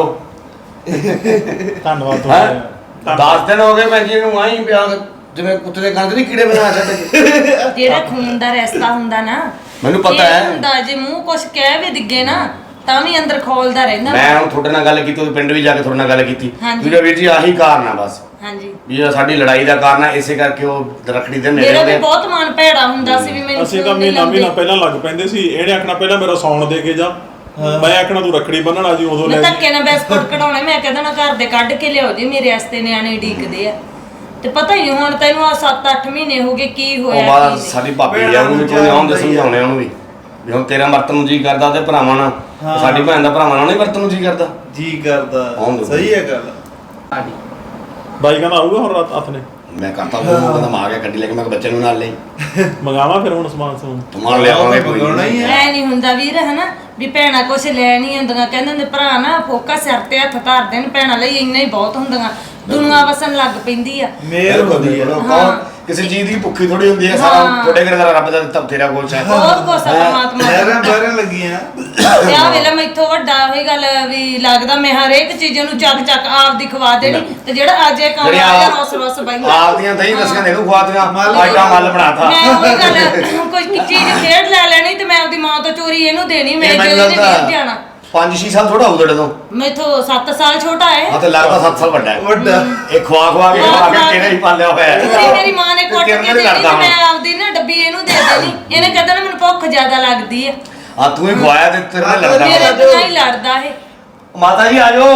ਧੰਨਵਾਦ ਹੈਂ? ਤੁਹਾਡਾ। 10 ਦਿਨ ਹੋ ਗਏ ਭੈਣ ਜੀ ਨੂੰ ਆਈ ਪਿਆ ਜਿਵੇਂ ਕੁੱਤੇ ਦੇ ਕੰਨ ਨਹੀਂ ਕੀੜੇ ਬਣਾ ਛੱਡ ਕੇ। ਜਿਹੜਾ ਖੂਨ ਦਾ ਰਸਤਾ ਹੁੰਦਾ ਨਾ, ਮੈਨੂੰ ਪਤਾ ਇਹ ਹੈ। ਹੁੰਦਾ ਜੇ ਮੂੰਹ ਕੁਛ ਕਹਿ ਵੀ ਦਿੱਗੇ ਨਾ ਤਾਂ ਵੀ ਅੰਦਰ ਖੋਲਦਾ ਰਹਿੰਦਾ। ਮੈਂ ਹੁਣ ਤੁਹਾਡੇ ਨਾਲ ਗੱਲ ਕੀਤੀ, ਉਹ ਪਿੰਡ ਵੀ ਜਾ ਕੇ ਤੁਹਾਡੇ ਨਾਲ ਗੱਲ ਕੀਤੀ। ਹਾਂਜੀ। ਵੀਰ ਵੀਰ ਜੀ ਆਹੀ ਕਾਰਨ ਆ ਬਸ, ਹਾਂਜੀ ਵੀ ਇਹ ਸਾਡੀ ਲੜਾਈ ਦਾ ਕਾਰਨ ਆ, ਇਸੇ ਕਰਕੇ ਉਹ ਰੱਖੜੀ ਦੇ ਨੇੜੇ ਮੇਰਾ ਵੀ ਹੁੰਦੇ। ਬਹੁਤ ਮਨ ਭੈੜਾ ਹੁੰਦਾ ਸੀ ਵੀ ਮੈਨੂੰ ਅਸੀਂ ਤਾਂ ਫੋਨ ਨਹੀਂ ਮਹੀਨਾ ਲਾਉਂਦੇ। ਪਹਿਲਾਂ ਲੱਗ ਪੈਂਦੇ ਸੀ। ਇਹਨੇ ਆਖਣਾ ਪਹਿਲਾਂ ਮੇਰਾ ਸੌਣ ਦੇ ਕੇ ਜਾ, ਮੈਂ ਆਖਣਾ ਤੂੰ ਰੱਖੜੀ ਬੰਨਣਾ ਜੀ ਉਦੋਂ ਮੈਂ ਲੈ ਧੱਕੇ ਨਾਲ ਬਿਸਕੁਟ ਕਢਾਉਣੇ, ਮੈਂ ਕਹਿੰਦਾ ਨਾ ਘਰ ਦੇ ਕੱਢ ਕੇ ਲਿਆਓ ਜੀ, ਮੇਰੇ ਵਾਸਤੇ ਨਿਆਣੇ ਢੀਕਦੇ ਆ। ਤੇ ਪਤਾ ਹੀ ਹੁਣ ਤੈਨੂੰ ਆ 7-8 ਮਹੀਨੇ ਹੋ ਗਏ ਕੀ ਉਹ ਹੋਇਆ ਬਾਅਦ ਕੀ ਨਹੀਂ। ਸਾਡੀ ਭਾਬੀ ਆ, ਉਹਨੂੰ ਵੀ ਕੋਈ ਆਉਂਦੇ ਸਮਝਾਉਣੇ ਉਹਨੂੰ ਵੀ ਹੁਣ ਤੇਰਾ ਵਰਤਨ ਨੂੰ ਜੀ ਕਰਦਾ ਤੇ ਭਰਾਵਾਂ ਨਾਲ, ਸਾਡੀ ਭੈਣ ਦਾ ਭਰਾਵਾਂ ਨਾਲ ਨਹੀਂ ਵਰਤਨ ਨੂੰ ਜੀ ਕਰਦਾ। ਜੀ ਕਰਦਾ, ਆਉਂਦੇ। ਸਹੀ ਹੈ ਗੱਲ। ਬਾਈ ਕਹਿੰਦਾ ਆਊਗਾ ਹੁਣ ਰਾਤ ਹੱਥ ਨੇ ਮੈਂ ਕਰਤਾ ਉਹ ਕਹਿੰਦਾ ਮੈਂ ਆ ਗਿਆ ਗੱਡੀ ਲੈ ਕੇ, ਮੈਂ ਕਿਹਾ ਬੱਚੇ ਨੂੰ ਨਾਲ ਲਈ ਮੰਗਾਵਾ ਫਿਰ ਹੁਣ ਸਮਾਨ ਸਮੂਨ। ਤੁਮਾਰ ਲਿਆਵਾਂਗੇ ਕੋਈ ਮੰਗਾਉਣਾ ਹੀ ਹੈ। ਐ ਨਹੀਂ ਹੁੰਦਾ ਵੀਰ ਹਨਾ ਵੀ ਭੈਣਾਂ ਕੁਛ ਲੈ ਨਹੀਂ ਹੁੰਦੀਆਂ, ਕਹਿੰਦੇ ਹੁੰਦੇ ਭਰਾ ਨਾ ਫੋਕਾ ਸਿਰ ਤੇ ਹੱਥ ਧਰ ਦੇਣ, ਭੈਣਾਂ ਲਈ ਇੰਨਾ ਹੀ ਬਹੁਤ ਹੁੰਦੀਆਂ। ਦੁਨੀਆ ਵਸਣ ਲੱਗ ਪੈਂਦੀ ਆ। ਮੇਰ ਹੁੰਦੀ ਹੈ। ਕੌਣ ਕਿਸੇ ਚੀਜ਼ ਦੀ ਭੁੱਖੀ ਥੋੜੀ ਹੁੰਦੀ ਹੈ, ਸਾਰਾ ਹਾਂ। ਤੁਹਾਡੇ ਘਰੇ ਦਾ ਰੱਬ ਦਾ ਦਿੱਤਾ ਤੇਰਾ ਕੋਲ ਚਾਹ ਬਹੁਤ ਕੁਛ ਆ ਪਰਮਾਤਮਾ ਲਹਿਰਾਂ ਦਾ। ਬਾਹਰਾਂ ਲੱਗੀਆਂ। ਤੇ ਆ ਵੇਲੇ ਮੈਥੋਂ ਵੱਡਾ ਹੋਈ ਗੱਲ ਵੀ ਲੱਗਦਾ ਮੈਂ ਹਰੇਕ ਚੀਜ਼ ਨੂੰ ਚੱਕ ਚੱਕ ਆਪਦੀ ਖਵਾ ਦੇਣੀ, ਤੇ ਜਿਹੜਾ ਅੱਜ ਇਹ ਕੰਮ ਆ ਗਿਆ ਰਸ ਰਸ ਬੈਂਦਾ ਆਪਦੀਆਂ ਦਹੀਂ ਦਸੀਆਂ ਦੇ ਦੂ ਖਵਾਤੀਆਂ ਆਈਟਾ ਮੱਲ ਬਣਾਤਾ। ਮੈਂ ਉਹੀ ਗੱਲ ਕੋਈ ਚੀਜ਼ ਖੇਡ ਲੈ ਲੈਣੀ ਤੇ ਮੈਂ ਆਪਦੀ ਮਾਂ ਤੋਂ ਚੋਰੀ ਇਹਨੂੰ ਦੇਣੀ, ਮੈਂ ਮੈਨੂੰ ਜਦੋਂ ਇਹਨੇ ਲੱਗਦਾ ਨਹੀਂ ਜਾਣਾ। 5-6 ਸਾਲ ਥੋੜਾ ਹੋਊ ਤੁਹਾਡੇ ਤੋਂ। ਮੈਥੋਂ 7 ਸਾਲ ਛੋਟਾ ਹੈ। ਹਾਂ ਤੇ ਲੱਗਦਾ 7 ਸਾਲ ਵੱਡਾ ਹੈ। ਵੱਡਾ। ਇਹ ਖਵਾ ਕੇ ਤੇਰੇ ਹੀ ਪਾਲਿਆ ਹੋਇਆ ਹੈ। ਤੇ ਮੇਰੀ ਮਾਂ ਨੇ ਕੁੱਟ ਤੇਰੇ ਕੇ ਨਾਲ ਦੇਣੀ ਲੜਦਾ ਤੇ ਹੁਣ। ਮੈਂ ਆਪਦੀ ਨਾ ਡੱਬੀ ਇਹਨੂੰ ਦੇ ਦੇਣੀ। ਇਹਨੇ ਕਹਿੰਦਾ ਨਾ ਮੈਨੂੰ ਭੁੱਖ ਜ਼ਿਆਦਾ ਲੱਗਦੀ ਆ। ਆ ਤੂੰ ਹੀ ਖਵਾਇਆ ਤੇ ਤੇਰੇ ਨਾਲ ਲੜਦਾ ਮੇਰੇ ਹੁਣ। ਬਿਨਾਂ ਹੀ ਲੜਦਾ ਇਹ। ਮਾਤਾ ਜੀ ਆਜੋ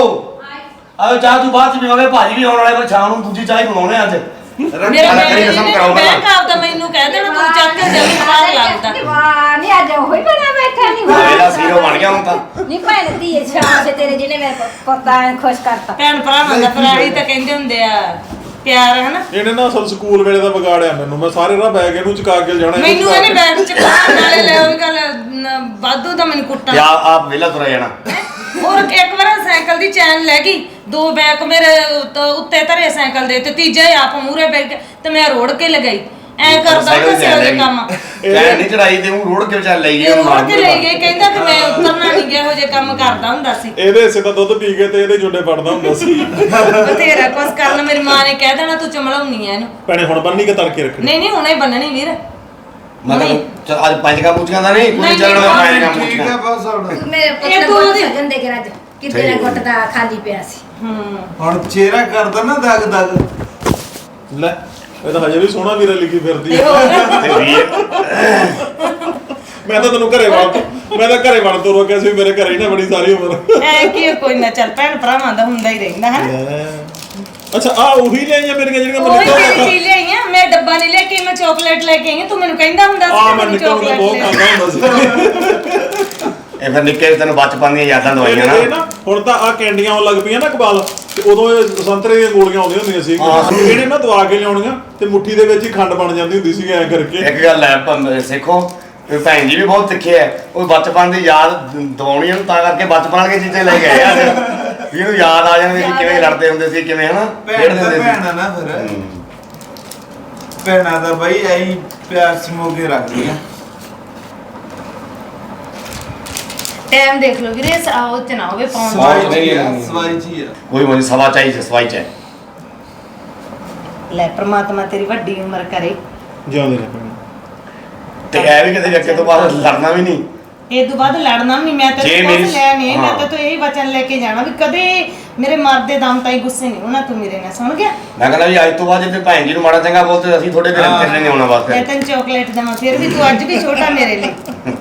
ਆਜੋ, ਚਾਹ ਤੂੰ ਬਾਅਦ ਚ ਪੀਵਾਂਗੇ, ਭਾਜੀ ਵੀ ਆਉਣ ਵਾਲੇ, ਪਰ ਸ਼ਾਮ ਨੂੰ ਦੂਜੀ ਚਾਹ ਹੀ ਬਣਾਉਣੇ ਅੱਜ। ਮੇਰੇ ਰੱਖੜੀ ਬੈਂਕ ਕਸਮ ਕਰਾਓ ਬੈਂਕ ਆਪਦਾ ਮੈਨੂੰ ਕਹਿ ਦੇਣਾ ਤੂੰ ਚੱਕ ਕੇ ਜਲਦੀ ਬਾਹਰ ਲੱਗਦਾ। ਵਾਹ ਨਹੀਂ ਅੱਜ ਉਹੀ ਬਣਾ ਬੈਠਾ ਨਹੀਂ ਮੇਰਾ ਸੀਰੋ ਬਣ ਗਿਆ ਹੁਣ ਤਾਂ। ਨਹੀਂ ਭੈਣ ਦੀ ਸ਼ਾਮ ਸੇ ਤੇਰੇ ਜਿਹਨੇ ਮੇਰੇ ਪਤਾ ਖੁਸ਼ ਕਰਤਾ। ਭੈਣ ਭਰਾਵਾਂ ਦਾ ਭਰਾ ਹੀ ਤਾਂ ਕਹਿੰਦੇ ਹੁੰਦੇ ਆ ਪਿਆਰ ਹਨਾ। ਇਹਨੇ ਨਾ ਅਸਲ ਸਕੂਲ ਵੇਲੇ ਦਾ ਵਿਗਾੜਿਆ ਮੈਨੂੰ। ਮੈਂ ਸਾਰੇ ਰਾਹ ਬੈਗ ਇਹਨੂੰ ਚੁਕਾ ਕੇ ਜਾਣਾ। ਮੈਨੂੰ ਇਹਨੇ ਬੈਗ ਚ ਪਾਉਣ ਵਾਲੇ ਲੈ ਉਹ ਗੱਲ ਵਾਧੂ ਦਾ ਮੈਨੂੰ ਕੁੱਟਾਂ। ਤੇ ਆਪ ਵਿਹਲਾ ਤੁਰਿਆ ਜਾਣਾ। ਹੋਰ ਇੱਕ ਵਾਰ ਸਾਈਕਲ ਦੀ ਚੈਨ ਲੈ ਗਈ, 2 ਬੈਗ ਮੇਰੇ ਉੱਤੇ ਧਰੇ ਸਾਈਕਲ ਦੇ ਤੇ ਤੀਜਾ ਹੀ ਆਪ ਮੂਹਰੇ ਬੈਠ ਤੇ ਮੈਂ ਰੋੜ ਕੇ ਲਗਾਈ। ਐ ਕਰਦਾ ਹੁੰਦਾ ਸੀ ਉਹਦੇ ਕੰਮ। ਇਹ ਨਹੀਂ ਚੜਾਈ ਤੇ ਉਹ ਰੋੜ ਕੇ ਵਿਚਾਰ ਲਈ ਗਈ ਇਹ ਉਹਨੂੰ ਰੋੜ ਕੇ ਲੈ ਗਈ, ਕਹਿੰਦਾ ਕਿ ਮੈਂ ਉਤਰਨਾ ਨਹੀਂ ਗਿਆ, ਇਹੋ ਜਿਹੇ ਕੰਮ ਕਰਦਾ ਹੁੰਦਾ ਸੀ। ਇਹਦੇ ਹਿੱਸੇ ਦਾ ਦੁੱਧ ਪੀ ਕੇ ਤੇ ਇਹਦੇ ਜੁੰਡੇ ਫੜਦਾ ਹੁੰਦਾ ਸੀ। ਬਥੇਰਾ ਕੁਛ ਕਰਨ। ਮੇਰੀ ਮਾਂ ਨੇ ਕਹਿ ਦੇਣਾ ਤੂੰ ਚਮਲਾਉਣੀ ਐ ਇਹਨੂੰ। ਭੈਣੇ ਹੁਣ ਬੰਨੀ ਕੇ ਤੜਕੇ ਰੱਖਣੀ। ਨਹੀਂ ਨਹੀਂ ਹੁਣੇ ਬੰਨਣੀ ਵੀਰ। ਮਤਲਬ ਚੱਲ ਅੱਜ 5 ਕਾ ਮੂਚੀਆਂ ਦਾ ਨਹੀਂ, ਕੋਈ ਨਹੀਂ, ਚੱਲਣਾ ਨਹੀਂ, 5 ਕਾ ਠੀਕ ਹੈ ਮੂਚੀਆਂ। ਬਸ ਹੁਣ। ਮੇਰੇ ਪੁੱਤ ਇਹ ਦਾ ਤੂੰ ਬਹੁਤ ਉਹਦੀ- ਸਜਣ ਦੇ ਕੇ ਰੱਜ ਕਿਤੇ ਨਾ ਗੁੱਟ ਦਾ ਖਾਲੀ ਪਿਆ ਸੀ। ਹੁਣ ਚਿਹਰਾ ਕਰਦਾ ਨਾ ਦਗ ਦਗ। ਲੈ ਇਹ ਤਾਂ ਹਜੇ ਵੀ ਸੋਹਣਾ ਵੀਰਾ ਲਿਖੀ ਫਿਰਦੀ ਤੇ ਆ। ਹੋਰ ਤੇ ਵੀਰ ਮੈਂ ਤਾਂ ਤੈਨੂੰ ਘਰੇ ਵੜ ਤੋਂ ਰੋਕਿਆ ਸੀ, ਮੇਰੇ ਘਰੇ ਹੀ ਨਾ ਬੜੀ ਸਾਰੀ ਉਮਰ। ਐ ਕੀ ਕੋਈ ਨਾ, ਚੱਲ ਭੈਣ ਭਰਾਵਾਂ ਦਾ ਹੁੰਦਾ ਹੀ ਰਹਿੰਦਾ ਹੈ। ਅੱਛਾ ਆ ਉਹੀ ਲਿਆਈਆਂ ਮੇਰੀਆਂ ਜਿਹੜੀਆਂ ਮੈਂ ਉਹੀ ਨਿੱਕਾ ਮੇਰੀ ਚੀਜ਼ ਲਈ ਆ। ਮੈਂ ਡੱਬਾ ਨਹੀਂ ਲੈ ਕੇ, ਮੈਂ ਚਾਕਲੇਟ ਲੈ ਕੇ ਆਈ ਹਾਂ। ਤੂੰ ਮੈਨੂੰ ਕਹਿੰਦਾ ਹੁੰਦਾ ਸੀ ਆ ਕਿ ਮੈਂ ਮੈਨੂੰ ਨਿੱਕਾ ਹੁੰਦਾ ਬਹੁਤ ਚਾਕਲੇਟ ਖਾਂਦਾ ਹੁੰਦਾ ਸੀ। ਇਹ ਫਿਰ ਨਿੱਕੇ ਤੈਨੂੰ ਬਚਪਨ ਦੀਆਂ ਯਾਦਾਂ ਦਵਾਈਆਂ ਇਹ ਨਾ। ਨਾ ਹੁਣ ਤਾਂ ਆ ਕੈਂਡੀਆਂ ਆਉਣ ਲੱਗ ਪਈਆਂ ਨਾ ਕਬਾਲ, ਤੇ ਉਦੋਂ ਇਹ ਸੰਤਰੇ ਦੀਆਂ ਗੋਲੀਆਂ ਆਉਂਦੀਆਂ ਹੁੰਦੀਆਂ ਸੀ। ਇਹਨੇ ਨਾ ਦਵਾ ਕੇ ਲਿਆਉਣੀਆਂ ਤੇ ਮੁੱਠੀ ਦੇ ਵਿੱਚ ਹੀ ਖੰਡ ਬਣ ਜਾਂਦੀ ਹੁੰਦੀ ਸੀ ਐ ਕਰਕੇ। ਇੱਕ ਗੱਲ ਹੈ ਸਿੱਖੋ, ਵੀ ਭੈਣ ਜੀ ਵੀ ਬਹੁਤ ਸਿੱਖਿਆ ਹੈ। ਉਹ ਬਚਪਨ ਦੀ ਯਾਦ ਦਿਵਾਉਣੀ ਉਹਨੂੰ, ਤਾਂ ਕਰਕੇ ਬਚਪਨ ਵਾਲੀਆਂ ਚੀਜ਼ਾਂ ਲੈ ਕੇ ਆਇਆ ਵੀ ਇਹਨੂੰ ਯਾਦ ਆ ਜਾਣਗੇ ਕਿ ਕਿਵੇਂ ਲੜਦੇ ਹੁੰਦੇ ਸੀ, ਕਿਵੇਂ ਹਨਾ ਭੈਣ ਖੇਡਦੇ ਦਾ ਹੁੰਦੇ ਭੈਣ ਸੀ। ਆ ਨਾ ਫਿਰ। ਭੈਣਾਂ ਦਾ ਬਈ ਐਂ ਪਿਆਰ ਸਮੋ ਕੇ ਰੱਖਦੀਆਂ। ਟਾਈਮ ਦੇਖ ਲਓ ਵੀਰੇ, ਉਹ ਚ ਨਾ ਹੋਵੇ ਪਾਉਣ ਦਾ। ਸਵਾਈ ਨਹੀਂ, ਜੀ ਆ, ਨਹੀਂ। ਸਵਾਈ ਜੀ ਆ। ਕੋਈ ਮੋਦੀ ਸਵਾ ਚਾਹੀਦੀ ਸਵਾਈ ਚ ਹੈ। ਲੈ ਪ੍ਰਮਾਤਮਾ ਤੇਰੀ ਵੱਡੀ ਉਮਰ ਕਰੇ। ਜਿਉਂਦੇ ਨੇ ਭੈਣੇ। ਤੇ ਇਹ ਵੀ ਕਿਤੇ ਅੱਗੇ ਤੋਂ ਬਾਅਦ ਲੜਨਾ ਵੀ ਨਹੀਂ। ਇਹ ਤੋਂ ਬਾਅਦ ਲੜਨਾ ਵੀ ਨਹੀਂ। ਮੈਂ ਜੇ ਤੈਨੂੰ ਮੇਰੀ- ਕੁਝ ਲੈ ਨਹੀਂ, ਮੈਂ ਹਾਂ। ਤਾਂ ਇਹੀ ਵਚਨ ਲੈ ਕੇ ਜਾਣਾ ਵੀ ਕਦੇ ਮੇਰੇ ਮਰਦੇ ਦਮ ਤਾਈਂ ਗੁੱਸੇ ਨਹੀਂ ਹੋਣਾ। ਤੂੰ ਮੇਰੇ ਨਾਲ ਸੁਣ ਗਿਆ? ਮੈਂ ਕਹਿੰਦਾ ਵੀ ਅੱਜ ਤੋਂ ਬਾਅਦ ਜੇ ਭੈਣ ਜੀ ਨੂੰ ਮਾੜਾ ਚੰਗਾ ਬੋਲਦੇ ਅਸੀਂ ਤੁਹਾਡੇ ਘਰੇ ਤੇਰੇ ਨਹੀਂ ਆਉਣਾ ਮੈਂ ਵਾਸਤੇ। ਤੈਨੂੰ ਚਾਕਲੇਟ ਦੇਵਾਂ, ਫਿਰ ਵੀ ਤੂੰ ਅੱਜ ਵੀ ਛੋਟਾ ਮੇਰੇ ਲਈ।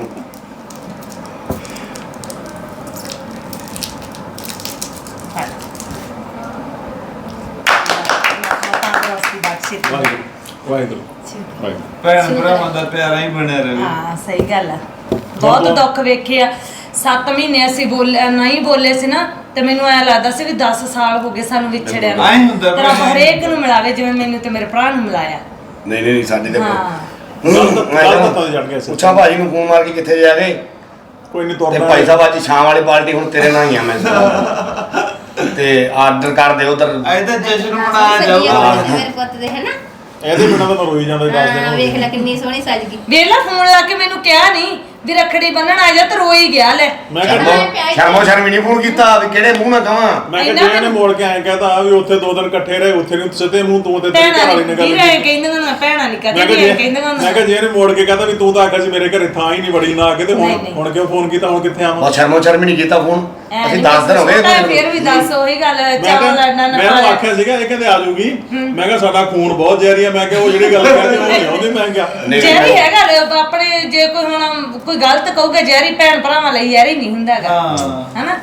ਵਾਹਿਗੁਰੂ ਵਾਹਿਗੁਰੂ ਵਾਹਿਗੁਰੂ। ਭੈਣ ਭਰਾਵਾਂ ਦਾ ਪਿਆਰਾ ਹੀ ਬਣਿਆ ਰਹੇ। ਹਾਂ ਸਹੀ ਗੱਲ ਆ। ਬਹੁਤ ਦੁੱਖ ਵੇਖਿਆ। 7 ਮਹੀਨੇ ਅਸੀਂ ਨਹੀਂ ਬੋਲੇ ਸੀ ਨਾ, ਤੇ ਮੈਨੂੰ ਐ ਲੱਗਦਾ ਸੀ ਵੀ 10 ਸਾਲ ਹੋ ਗਏ ਸਾਨੂੰ ਵਿਛੜਿਆ ਨੂੰ। ਐਂ ਹੁੰਦਾ ਤੇ ਰੱਬ ਹਰੇਕ ਨੂੰ ਮਿਲਾਵੇ ਜਿਵੇਂ ਮੈਨੂੰ ਤੇ ਮੇਰੇ ਭਰਾ ਨੂੰ ਮਿਲਾਇਆ। ਨਹੀਂ ਸਾਡੇ ਤੇ ਹਾਂ ਕੱਲ ਤਾਂ ਚੜ ਗਿਆ ਸੀ। ਪੁੱਛਾਂ ਭਾਜੀ ਨੂੰ ਫੋਨ ਮਾਰ ਕੇ ਕਿੱਥੇ ਜਾ ਗਏ। ਕੋਈ ਨਹੀਂ ਤੇ ਤੁਰਨਾ ਭਾਈ ਸਾਹਿਬ ਅੱਜ ਸ਼ਾਮ ਵਾਲੀ ਪਾਰਟੀ ਹੁਣ ਤੇਰੇ ਨਾਲ ਹੀ ਆ ਮੈਂ ਤੇ ਆਰਡਰ ਕਰ ਦੇ ਉਧਰ ਅੱਜ ਤਾਂ ਜਸ਼ਨ ਮਨਾਇਆ ਸਹੀ ਆ ਜਾਊਗਾ ਮੇਰੇ ਪੁੱਤ ਦੇ ਹੈ ਨਾ ਇਹਦੇ ਬਿਨਾਂ ਤਾਂ ਮੈਂ ਰੋਈ ਜਾਂਦਾ 10 ਹਾਂ, ਦਿਨ ਵੇਖ ਲੈ ਕਿੰਨੀ ਸੋਹਣੀ ਸੱਜ ਗਈ। ਵੇਲਾ ਫੋਨ ਲਾ ਕੇ ਮੈਨੂੰ ਕਿਹਾ ਨਹੀਂ ਵੀ ਰੱਖੜੀ ਬੰਨਣ ਆ ਜਾ ਤੇ ਰੋਈ ਗਿਆ ਲੈ। ਮੈਂ ਕਿਹਾ ਸ਼ਰਮੋ ਨਹੀਂ ਫੋਨ ਕੀਤਾ ਵੀ ਕਿਹੜੇ ਮੂੰਹ ਨਾਲ ਕਹਾਂ। ਮੈਂ ਕਿਹਾ ਜੇ ਇਹਨੇ ਮੋੜ ਕੇ ਐਂ ਕਹਤਾ ਵੀ ਉੱਥੇ 2 ਦਿਨ ਇਕੱਠੇ ਰਹੇ ਉੱਥੇ ਨਹੀਂ ਸਿੱਧੇ ਮੂੰਹ ਤੂੰ ਤੇ ਤੇਰੀ ਭੈਣਾਂ ਘਰ ਵਾਲੀ ਨੇ ਗੱਲ ਨਹੀਂ ਰਹੇ ਕਹਿੰਦੇ ਨਾ ਭੈਣਾਂ ਨਹੀਂ ਕਦੇ ਵੀ ਕਹਿੰਦੇ ਨਾ ਮੈਂ ਕਿਹਾ ਜੇ ਇਹਨੇ ਮੋੜ ਕੇ ਕਹਤਾ ਵੀ ਤੂੰ ਤਾਂ ਆਖਿਆ ਸੀ ਮੇਰੇ ਘਰੇ ਥਾਂ ਹੀ ਨਹੀਂ ਬੜੀ ਨਾ ਆ ਕੇ ਤੇ ਹੁਣ ਕਿਉਂ ਫੋਨ ਕੀਤਾ ਹੁਣ ਕਿੱਥੇ ਆਵਾਂ। ਬਹੁਤ ਸ਼ਰਮੋ ਨਹੀਂ ਕੀਤਾ ਫੋਨ ਅਸੀਂ 10 ਦਿਨ ਹੋ ਗਏ ਫਿਰ ਵੀ ਦੱਸ ਉਹੀ ਗੱਲ ਚਾਵਲ ਲੜਨਾ ਨਾ ਮੈਂ ਉਹਨੂੰ ਆਖਿਆ ਸੀਗਾ ਇਹ ਕਹਿੰਦੇ ਆ ਜਾਊਗੀ ਮੈਂ ਕਿਹਾ ਸਾਡਾ ਖੂਨ ਬਹੁਤ ਜ਼ਹਿਰੀ ਆ ਮੈਂ ਕਿਹਾ ਉਹ ਜਿਹੜੀ ਗੱਲ ਕਹਿੰਦੇ ਉਹ ਨਹੀਂ ਆਉਂਦੀ ਮੈਂ ਕਿਹਾ ਜੈਰੀ ਹੈਗਾ ਆਪਣੇ ਜੇ ਕੋਈ ਹੁਣ ਕੋਈ ਗਲਤ ਕਹੂਗਾ ਜੈਰੀ ਭੈਣ ਭਰਾਵਾਂ ਲਈ ਯਾਰੀ ਨਹੀਂ ਹੁੰਦਾ ਹੈਗਾ ਹਨਾ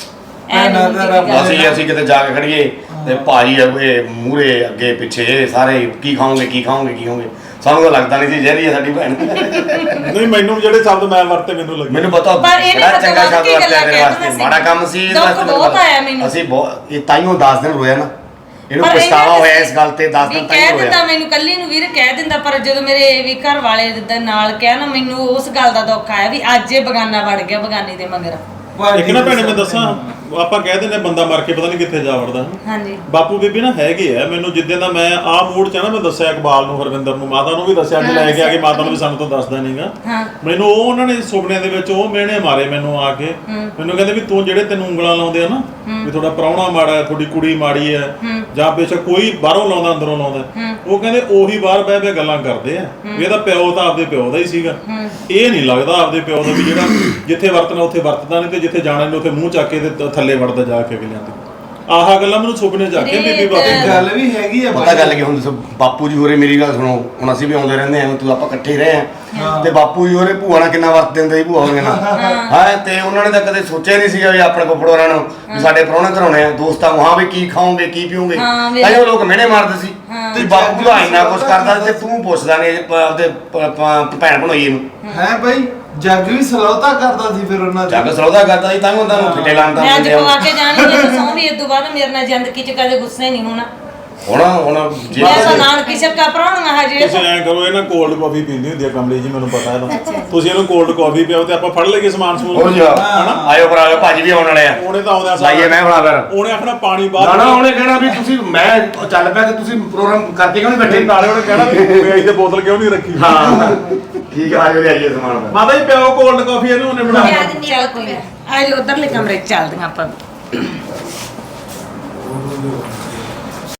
ਅਸੀਂ ਕਿਤੇ ਜਾ ਕੇ ਖੜੀਏ ਤੇ ਭਾਜੀ ਇਹ ਮੂਹਰੇ ਅੱਗੇ ਪਿੱਛੇ ਸਾਰੇ ਕੀ ਖਾਓਗੇ ਸਾਨੂੰ ਤਾਂ ਲੱਗਦਾ ਨਹੀਂ ਸੀ ਜਿਹੜੀ ਸਾਡੀ ਭੈਣ ਨਹੀਂ ਮੈਨੂੰ ਜਿਹੜੇ ਸ਼ਬਦ ਮੈਂ ਵਰਤੇ ਮੈਨੂੰ ਲੱਗੇ ਮੈਨੂੰ ਪਤਾ ਪਰ ਇਹ ਬੜਾ ਚੰਗਾ ਸ਼ਬਦ ਕੀ ਗੱਲਾਂ ਵਰਤਿਆ ਤੇਰੇ ਵਾਸਤੇ ਕਹਿੰਦਾ ਮਾੜਾ ਕੰਮ ਸੀ ਇਹਦੇ ਦੁੱਖ ਵਾਸਤੇ ਬਹੁਤ ਆਇਆ ਮੈਨੂੰ। ਅਸੀਂ ਬਹੁਤ ਇਹ ਤਾਈਓ 10 ਦਿਨ ਰੋਇਆ ਨਾ ਇਹਨੂੰ ਪਰ ਪਛਤਾਵਾ ਇਹਨਾਂ ਹੋਇਆ ਇਸ ਗੱਲ ਤੇ 10 ਦਿਨ ਵੀ ਤਾਈਓ ਕਹਿ ਦਿੰਦਾ ਰੋਇਆ ਮੈਨੂੰ ਕੱਲੀ ਨੂੰ ਵੀਰ ਕਹਿ ਦਿੰਦਾ ਪਰ ਜਦੋਂ ਮੇਰੇ ਵੀ ਘਰ ਵਾਲੇ ਦੇ ਨਾਲ ਕਿਹਾ ਨਾ ਮੈਨੂੰ ਉਸ ਗੱਲ ਦਾ ਦੁੱਖ ਆਇਆ ਵੀ ਅੱਜ ਇਹ ਬਗਾਨਾ ਵੜ ਗਿਆ ਬਗਾਨੀ ਦੇ ਮਗਰ। ਇੱਕ ਨਾ ਭੈਣੇ ਮੈਂ ਦੱਸਾਂ ਆਪਾਂ ਕਹਿ ਦਿੰਦੇ ਬੰਦਾ ਮਰ ਕੇ ਪਤਾ ਨਹੀਂ ਕਿੱਥੇ ਜਾ ਵੜਦਾ ਹਾਂਜੀ ਬਾਪੂ ਬੀਬੀ ਨਾ ਹੈਗੇ ਆ ਮੈਨੂੰ ਜਿੱਦਾਂ ਦਾ ਮੈਂ ਆਹ ਮੂਡ ਚ ਆ ਨਾ ਮੈਂ ਦੱਸਿਆ ਇਕਬਾਲ ਨੂੰ ਹਰਵਿੰਦਰ ਨੂੰ ਮਾਤਾ ਨੂੰ ਵੀ ਦੱਸਿਆ ਕਿ ਲੈ ਕੇ ਆ ਕੇ ਮਾਤਾ ਨੂੰ ਵੀ ਸਾਨੂੰ ਤਾਂ ਦੱਸਦਾ ਨਹੀਂਗਾ ਹਾਂ ਮੈਨੂੰ ਉਹ ਉਹਨਾਂ ਨੇ ਸੁਪਨਿਆਂ ਦੇ ਵਿੱਚ ਉਹ ਮਿਹਣੇ ਮਾਰੇ ਮੈਨੂੰ ਆ ਕੇ ਮੈਨੂੰ ਕਹਿੰਦੇ ਵੀ ਤੂੰ ਜਿਹੜੇ ਤੈਨੂੰ ਉਂਗਲਾਂ ਲਾਉਂਦੇ ਆ ਨਾ ਵੀ ਤੁਹਾਡਾ ਪ੍ਰਾਹੁਣਾ ਮਾੜਾ ਹੈ ਤੁਹਾਡੀ ਕੁੜੀ ਮਾੜੀ ਹੈ ਜਾਂ ਬੇਸ਼ੱਕ ਕੋਈ ਬਾਹਰੋਂ ਲਾਉਂਦਾ ਅੰਦਰੋਂ ਲਾਉਂਦਾ ਉਹ ਕਹਿੰਦੇ ਉਹੀ ਬਾਹਰ ਬਹਿ ਬਹਿ ਗੱਲਾਂ ਕਰਦੇ ਆ ਵੀ ਇਹਦਾ ਪਿਓ ਤਾਂ ਆਪਦੇ ਪਿਓ ਦਾ ਹੀ ਸੀਗਾ ਇਹ ਨਹੀਂ ਲੱਗਦਾ ਆਪਦੇ ਪਿਓ ਦਾ ਵੀ ਜਿਹੜਾ ਜਿੱਥੇ ਵਰਤਣਾ ਉੱਥੇ ਵਰਤਦਾ ਨਹੀਂ ਤੇ ਜਿੱਥੇ ਜਾਣਾ ਨਹੀਂ ਉੱਥੇ ਮੂੰਹ ਚੱਕ ਕੇ ਤੇ ਥੱਲੇ ਵੜਦਾ ਜਾ ਕੇ ਅਗਲਿਆਂ ਤੇ ਆਹ ਗੱਲਾਂ ਮੈਨੂੰ ਸੁਪਨੇ ਚ ਆ ਕੇ ਬੀਬੀ ਬਾਬੀ ਗੱਲ ਵੀ ਹੈਗੀ ਆ ਪਤਾ ਗੱਲ ਕੀ ਹੁਣ ਦੱਸੋ ਬਾਪੂ ਜੀ ਹੋਰੇ ਮੇਰੀ ਗੱਲ ਸੁਣੋ ਹੁਣ ਅਸੀਂ ਵੀ ਆਉਂਦੇ ਰਹਿੰਦੇ ਆਂ ਤੂੰ ਆਪਾਂ ਇਕੱਠੇ ਹੀ ਰਹੇ ਆਂ ਤੇ ਬਾਪੂ ਜੀ ਹੋਰੇ ਭੂਆ ਨਾਲ ਕਿੰਨਾ ਵਰਤ ਦਿੰਦੇ ਸੀ ਭੂਆ ਹੋਰੇ ਨਾਲ ਹਾਂ ਤੇ ਉਹਨਾਂ ਨੇ ਤਾਂ ਕਦੇ ਸੋਚਿਆ ਨਹੀਂ ਸੀਗਾ ਵੀ ਆਪਣੇ ਕੋਲ ਫੜੋਰਾਂ ਨੂੰ ਵੀ ਸਾਡੇ ਪ੍ਰਾਹੁਣੇ ਘਰਾਉਣੇ ਆ ਦੋਸਤਾਂ ਹਾਂ ਵੀ ਕੀ ਖਾਓਗੇ ਕੀ ਪੀਓਗੇ ਤਾਂ ਉਹ ਲੋਕ ਮਿਹਣੇ ਮਾਰਦੇ ਸੀ ਤੇ ਬਾਪੂ ਦਾ ਇੰਨਾ ਕੁਛ ਕਰਦਾ ਤੇ ਤੂੰ ਪੁੱਛਦਾ ਨਹੀਂ ਆਪਦੇ ਭੈਣ ਭਣੋਈਏ ਨੂੰ ਹੈ ਬਾਈ ਜੱਗ ਵੀ ਸਲੌਤਾ ਕਰਦਾ ਸੀ ਫਿਰ ਉਹਨਾਂ ਜੱਗ ਸਲੌਦਾ ਕਰਦਾ ਸੀ ਤਾਂ ਹੀ ਉਹਨਾਂ ਨੂੰ ਫਿੱਟੇ ਲਾਉਂਦਾ ਮੈਂ ਅੱਜ ਪਵਾ ਕੇ ਜਾਣੀ ਮੈਨੂੰ ਸੌਂ ਵੀ ਇਸ ਤੋਂ ਬਾਅਦ ਮੇਰੇ ਨਾਲ ਜ਼ਿੰਦਗੀ ਚ ਕਦੇ ਗੁੱਸੇ ਨਹੀਂ ਹੋਣਾ ਹੁਣ ਜੇ ਮੈਂ ਤਾਂ ਨਾਨਕੀ ਸ਼ੱਕਾ ਭਰਾਉਣਾ ਹਜੇ ਤੁਸੀਂ ਐਂ ਕਰੋ ਇਹ ਨਾ ਕੋਲਡ ਕਾਫੀ ਪੀਂਦੀ ਹੁੰਦੀ ਆ ਕਮਲੀ ਜੀ ਮੈਨੂੰ ਪਤਾ ਇਹਦਾ ਤੁਸੀਂ ਇਹਨੂੰ ਕੋਲਡ ਕਾਫੀ ਪਿਓ ਤੇ ਆਪਾਂ ਫੜ ਲਈਏ ਸਮਾਨ ਸਮੂਨ ਹੋਰ ਜਾ ਆਇਓ ਭਰਾ ਆਇਓ ਭਾਜੀ ਵੀ ਆਉਣ ਵਾਲੇ ਆ ਉਹਨੇ ਤਾਂ ਆਉਂਦਾ ਲਾਈਏ ਮੈਂ ਭਰਾ ਫਿਰ ਉਹਨੇ ਆਖਣਾ ਪਾਣੀ ਨਾ ਬਾਹਰ ਨਾ ਉਹਨੇ ਕਹਿਣਾ ਵੀ ਤੁਸੀਂ ਮੈਂ ਚੱਲ ਪਿਆ ਤੇ ਤੁਸੀਂ ਪ੍ਰੋਗਰਾਮ ਕਰਕੇ ਕਿਉਂ ਨਹੀਂ ਬੈਠੇ ਨਾਲੇ ਉਹਨੇ ਕਹਿਣਾ ਵੀ ਵੇਚ ਦੇ ਬੋਤਲ ਕਿਉਂ ਨਹੀਂ ਰੱਖੀ ਹਾਂ ਠੀਕ ਆ ਆਇਓ ਲਿਆਈਏ ਸਮਾਨ ਮਾਤਾ ਜੀ ਪਿਓ ਕੋਲਡ ਕਾਫੀ ਇਹਨੂੰ ਉਹਨੇ ਬਣਾ ਚੱਲ ਕੋਈ ਨਾ ਆ ਜਾ ਉਧਰਲੇ ਕਮਰੇ ਚ ਚੱਲਦੇ ਆਪਾਂ